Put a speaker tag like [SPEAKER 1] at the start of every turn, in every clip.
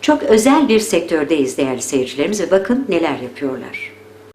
[SPEAKER 1] Çok özel bir sektördeyiz değerli seyircilerimiz ve bakın neler yapıyorlar.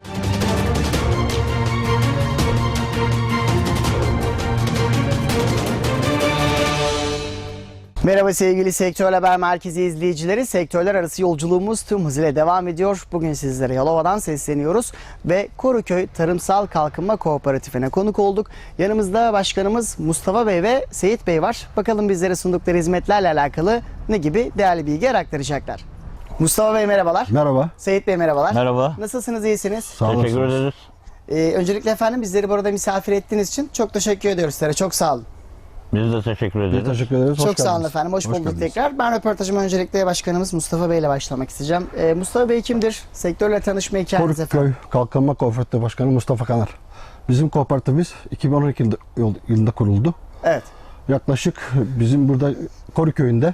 [SPEAKER 2] Merhaba sevgili Sektör Haber Merkezi izleyicileri. Sektörler arası yolculuğumuz tüm hızıyla devam ediyor. Bugün sizlere Yalova'dan sesleniyoruz ve Koruköy Tarımsal Kalkınma Kooperatifine konuk olduk. Yanımızda başkanımız Mustafa Bey ve Seyit Bey var. Bakalım bizlere sundukları hizmetlerle alakalı ne gibi değerli bilgiler aktaracaklar. Mustafa Bey merhabalar.
[SPEAKER 3] Merhaba.
[SPEAKER 2] Seyit Bey merhabalar.
[SPEAKER 4] Merhaba.
[SPEAKER 2] Nasılsınız, iyisiniz?
[SPEAKER 3] Sağ
[SPEAKER 4] Teşekkür
[SPEAKER 3] olasınız.
[SPEAKER 4] ederiz.
[SPEAKER 2] Öncelikle efendim bizleri burada misafir ettiğiniz için çok teşekkür ediyoruz sizlere. Çok sağ olun.
[SPEAKER 4] Biz de teşekkür ederiz.
[SPEAKER 3] Biz teşekkür ederiz.
[SPEAKER 2] Çok sağ olun efendim. Hoş bulduk
[SPEAKER 3] geldiniz.
[SPEAKER 2] tekrar. Ben röportajıma öncelikle başkanımız Mustafa Bey ile başlamak isteyeceğim. Mustafa Bey kimdir? Sektörle tanışma hikayeniz efendim.
[SPEAKER 3] Koruköy Kalkınma Kooperatifi Başkanı Mustafa Kanar. Bizim kooperatifimiz 2012 yılında kuruldu.
[SPEAKER 2] Evet.
[SPEAKER 3] Yaklaşık bizim burada Koruköy'ünde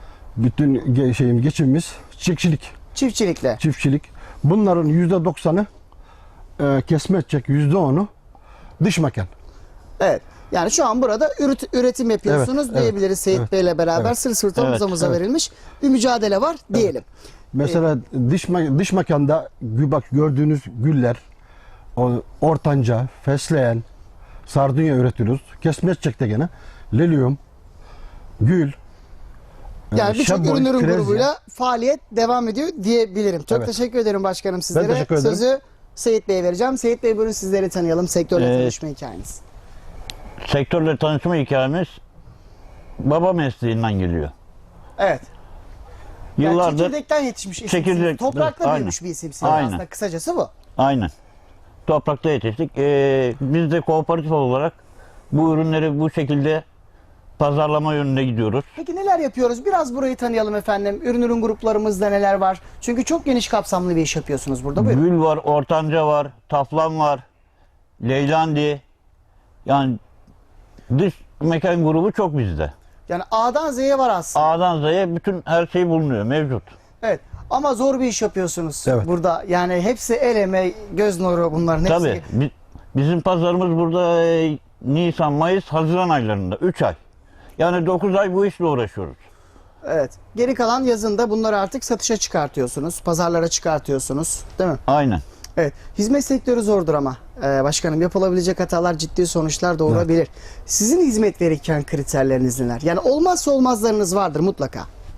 [SPEAKER 3] bütün geçimimiz
[SPEAKER 2] Çiftçilikle.
[SPEAKER 3] çiftçilik. Bunların %90'ı kesme edecek, %10'u dış mekan.
[SPEAKER 2] Evet. Yani şu an burada üretim yapıyorsunuz
[SPEAKER 3] Evet,
[SPEAKER 2] diyebiliriz
[SPEAKER 3] evet,
[SPEAKER 2] Seyit
[SPEAKER 3] evet,
[SPEAKER 2] Bey ile beraber.
[SPEAKER 3] evet.
[SPEAKER 2] Sırt sırta
[SPEAKER 4] Evet,
[SPEAKER 2] omuz omuza
[SPEAKER 3] evet.
[SPEAKER 2] verilmiş bir mücadele var diyelim.
[SPEAKER 3] Mesela dış mekanda bak gördüğünüz güller, ortanca, fesleğen, sardunya üretiyoruz. Kesme edecekte gene lilyum, gül,
[SPEAKER 2] Yani birçok
[SPEAKER 3] şaboy,
[SPEAKER 2] ürünlerin
[SPEAKER 3] frezya.
[SPEAKER 2] grubuyla faaliyet devam ediyor diyebilirim. Çok
[SPEAKER 3] Evet.
[SPEAKER 2] teşekkür ederim başkanım sizlere.
[SPEAKER 3] teşekkür ederim.
[SPEAKER 2] Sözü Seyit Bey'e vereceğim. Seyit Bey buyurun sizleri tanıyalım. Sektörle
[SPEAKER 4] Evet.
[SPEAKER 2] tanışma hikayeniz.
[SPEAKER 4] Sektörle tanışma hikayemiz baba mesleğinden geliyor.
[SPEAKER 2] Evet. Yani
[SPEAKER 4] Yıllardır
[SPEAKER 2] çekirdekten yetişmiş isimsiniz.
[SPEAKER 4] Çekirdek-
[SPEAKER 2] Toprakta
[SPEAKER 4] Aynen.
[SPEAKER 2] büyümüş bir isimsiniz
[SPEAKER 4] Aynen.
[SPEAKER 2] aslında. Kısacası bu.
[SPEAKER 4] aynen toprakta yetiştik. Biz de kooperatif olarak bu ürünleri bu şekilde pazarlama yönünde gidiyoruz.
[SPEAKER 2] Peki neler yapıyoruz? Biraz burayı tanıyalım efendim. Ürün gruplarımızda neler var? Çünkü çok geniş kapsamlı bir iş yapıyorsunuz burada. Buyurun.
[SPEAKER 4] Gül var, ortanca var, taflan var, leylandi. Yani dış mekan grubu çok bizde.
[SPEAKER 2] Yani A'dan Z'ye var aslında.
[SPEAKER 4] A'dan Z'ye bütün her şey bulunuyor, mevcut.
[SPEAKER 2] Evet. Ama zor bir iş yapıyorsunuz
[SPEAKER 3] Evet.
[SPEAKER 2] burada. Yani hepsi el emeği, göz nuru bunların hepsi.
[SPEAKER 4] Tabii. Bizim pazarımız burada Nisan, Mayıs, Haziran aylarında. 3 ay. Yani 9 ay bu işle uğraşıyoruz.
[SPEAKER 2] Evet. Geri kalan yazında bunları artık satışa çıkartıyorsunuz. Pazarlara çıkartıyorsunuz. Değil mi?
[SPEAKER 4] Aynen.
[SPEAKER 2] Evet. Hizmet sektörü zordur ama. Başkanım yapılabilecek hatalar ciddi sonuçlar doğurabilir. Sizin hizmet verirken kriterleriniz neler? Yani olmazsa olmazlarınız vardır mutlaka.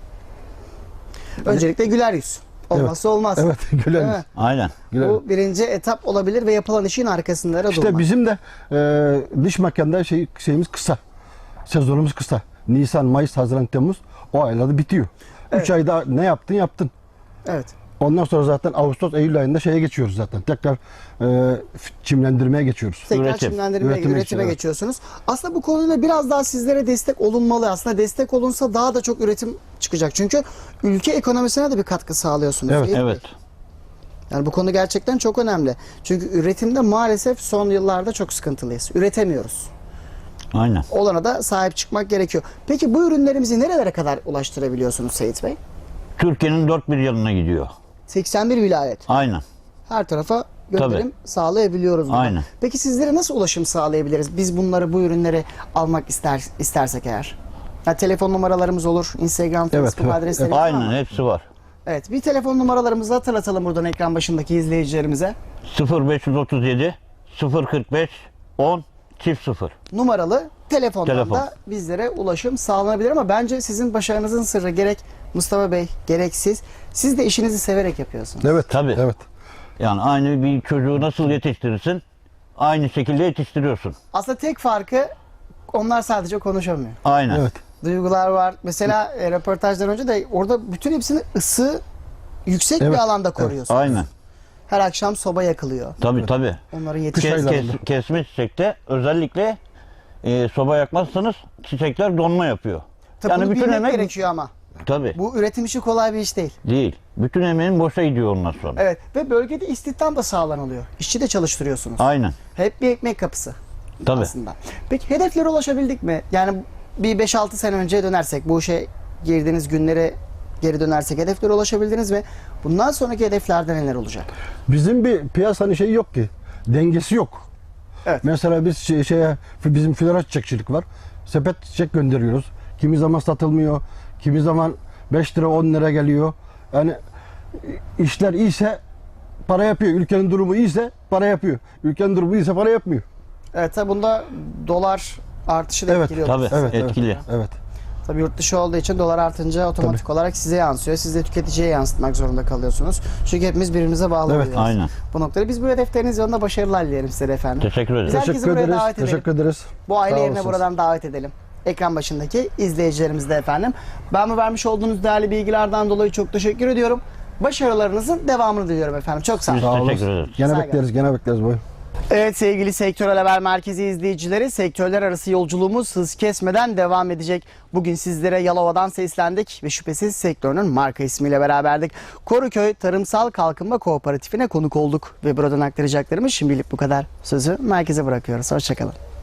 [SPEAKER 2] Öncelikle güler yüz. Olmazsa olmaz.
[SPEAKER 3] Evet, güler yüz.
[SPEAKER 2] Değil mi?
[SPEAKER 4] Aynen.
[SPEAKER 3] Güler yüz.
[SPEAKER 2] Bu birinci etap olabilir ve yapılan işin arkasında
[SPEAKER 3] İşte
[SPEAKER 2] durmak.
[SPEAKER 3] bizim de dış mekanda şeyimiz kısa. Sezonumuz kısa. Nisan, Mayıs, Haziran, Temmuz o aylarda bitiyor. 3 ayda ne yaptın?
[SPEAKER 2] Evet.
[SPEAKER 3] Ondan sonra zaten Ağustos, Eylül ayında şeye geçiyoruz zaten. Tekrar çimlendirmeye geçiyoruz.
[SPEAKER 2] Tekrar
[SPEAKER 4] Üretim.
[SPEAKER 2] üretime
[SPEAKER 3] Evet.
[SPEAKER 2] geçiyorsunuz. Aslında bu konuyla biraz daha sizlere destek olunmalı. Aslında destek olunsa daha da çok üretim çıkacak. Çünkü ülke ekonomisine de bir katkı sağlıyorsunuz.
[SPEAKER 3] Evet,
[SPEAKER 2] değil mi?
[SPEAKER 4] Evet.
[SPEAKER 2] Yani bu konu gerçekten çok önemli. Çünkü üretimde maalesef son yıllarda çok sıkıntılıyız. Üretemiyoruz.
[SPEAKER 4] Aynen.
[SPEAKER 2] Olana da sahip çıkmak gerekiyor. Peki bu ürünlerimizi nerelere kadar ulaştırabiliyorsunuz Seyit Bey?
[SPEAKER 4] Türkiye'nin dört bir yanına gidiyor.
[SPEAKER 2] 81 vilayet.
[SPEAKER 4] Aynen.
[SPEAKER 2] Her tarafa gönderim sağlayabiliyoruz. buradan.
[SPEAKER 4] Aynen.
[SPEAKER 2] Peki sizlere nasıl ulaşım sağlayabiliriz? Biz bu ürünleri almak istersek eğer. Ya telefon numaralarımız olur, Instagram,
[SPEAKER 3] Evet,
[SPEAKER 2] Facebook
[SPEAKER 3] evet,
[SPEAKER 2] adresleri
[SPEAKER 3] evet.
[SPEAKER 2] var
[SPEAKER 4] Aynen
[SPEAKER 2] mı?
[SPEAKER 4] hepsi var.
[SPEAKER 2] Evet, bir telefon numaralarımızı hatırlatalım buradan ekran başındaki izleyicilerimize.
[SPEAKER 4] 0537 045 10 çift 0.
[SPEAKER 2] Numaralı telefondan
[SPEAKER 4] Telefon.
[SPEAKER 2] da bizlere ulaşım sağlanabilir ama bence sizin başarınızın sırrı gerek Mustafa Bey gerek siz de işinizi severek yapıyorsunuz.
[SPEAKER 3] Evet.
[SPEAKER 4] Tabii.
[SPEAKER 3] Evet.
[SPEAKER 4] Yani aynı bir çocuğu nasıl yetiştirirsin? Aynı şekilde yetiştiriyorsun.
[SPEAKER 2] Aslında tek farkı onlar sadece konuşamıyor.
[SPEAKER 4] Aynen.
[SPEAKER 3] Evet.
[SPEAKER 2] Duygular var. Mesela röportajdan önce de orada bütün hepsini ısı yüksek bir
[SPEAKER 3] Evet,
[SPEAKER 2] alanda
[SPEAKER 3] evet.
[SPEAKER 2] koruyorsunuz.
[SPEAKER 4] Aynen.
[SPEAKER 2] Her akşam soba yakılıyor.
[SPEAKER 4] Tabii.
[SPEAKER 2] Onların
[SPEAKER 3] Kış
[SPEAKER 2] yetişmesi.
[SPEAKER 3] aylarında.
[SPEAKER 4] Kesme çiçekte özellikle soba yakmazsanız çiçekler donma yapıyor.
[SPEAKER 2] Tabii bunu bilmek gerekiyor ama.
[SPEAKER 4] Tabii.
[SPEAKER 2] Bu üretim işi kolay bir iş değil.
[SPEAKER 4] Değil. Bütün emeğin boşa gidiyor ondan sonra.
[SPEAKER 2] Evet ve bölgede istihdam da sağlanılıyor. İşçi de çalıştırıyorsunuz.
[SPEAKER 4] Aynen.
[SPEAKER 2] Hep bir ekmek kapısı
[SPEAKER 4] Tabii.
[SPEAKER 2] aslında. Peki hedeflere ulaşabildik mi? Yani bir 5-6 sene önceye dönersek, bu işe girdiğiniz günlere geri dönersek hedeflere ulaşabildiniz mi? Bundan sonraki hedeflerde neler olacak?
[SPEAKER 3] Bizim bir piyasanın şeyi yok ki. Dengesi yok.
[SPEAKER 2] Evet.
[SPEAKER 3] Mesela biz bizim flora çiçekçilik var. Sepet çiçek gönderiyoruz. Kimi zaman satılmıyor. Kimi zaman 5 lira 10 lira geliyor. Yani işler iyiyse para yapıyor. Ülkenin durumu iyiyse para yapıyor. Ülkenin durumu iyiyse para yapmıyor.
[SPEAKER 2] Evet, tabi bunda dolar artışı da
[SPEAKER 3] Evet,
[SPEAKER 2] etkiliyor.
[SPEAKER 4] tabii.
[SPEAKER 3] Evet,
[SPEAKER 4] Etkili.
[SPEAKER 3] Evet.
[SPEAKER 2] Tabii yurt dışı olduğu için dolar artınca otomatik olarak size yansıyor. Siz de tüketiciye yansıtmak zorunda kalıyorsunuz. Çünkü hepimiz birbirimize bağlı
[SPEAKER 3] Evet,
[SPEAKER 2] oluyoruz.
[SPEAKER 4] aynen.
[SPEAKER 2] Bu noktada biz bu hedefleriniz yolunda başarılar dilerim size de efendim.
[SPEAKER 4] Teşekkür ederim.
[SPEAKER 2] Biz herkesi
[SPEAKER 3] Teşekkür
[SPEAKER 2] buraya
[SPEAKER 3] ederiz.
[SPEAKER 2] davet edelim.
[SPEAKER 3] Teşekkür ederiz.
[SPEAKER 2] Bu aile
[SPEAKER 3] Sağ
[SPEAKER 2] yerine
[SPEAKER 3] olasınız.
[SPEAKER 2] buradan davet edelim. Ekran başındaki izleyicilerimiz de efendim. Ben bu vermiş olduğunuz değerli bilgilerden dolayı çok teşekkür ediyorum. Başarılarınızın devamını diliyorum efendim. Çok sağ olun.
[SPEAKER 4] Biz
[SPEAKER 3] Sağ olun.
[SPEAKER 4] teşekkür ederiz.
[SPEAKER 3] Gene
[SPEAKER 2] Sağ
[SPEAKER 3] bekleriz, gene bekleriz boy.
[SPEAKER 2] Evet sevgili Sektörel Haber Merkezi izleyicileri, sektörler arası yolculuğumuz hız kesmeden devam edecek. Bugün sizlere Yalova'dan seslendik ve şüphesiz sektörünün marka ismiyle beraberdik. Koruköy Tarımsal Kalkınma Kooperatifine konuk olduk ve buradan aktaracaklarımız şimdilik bu kadar. Sözü merkeze bırakıyoruz. Hoşçakalın.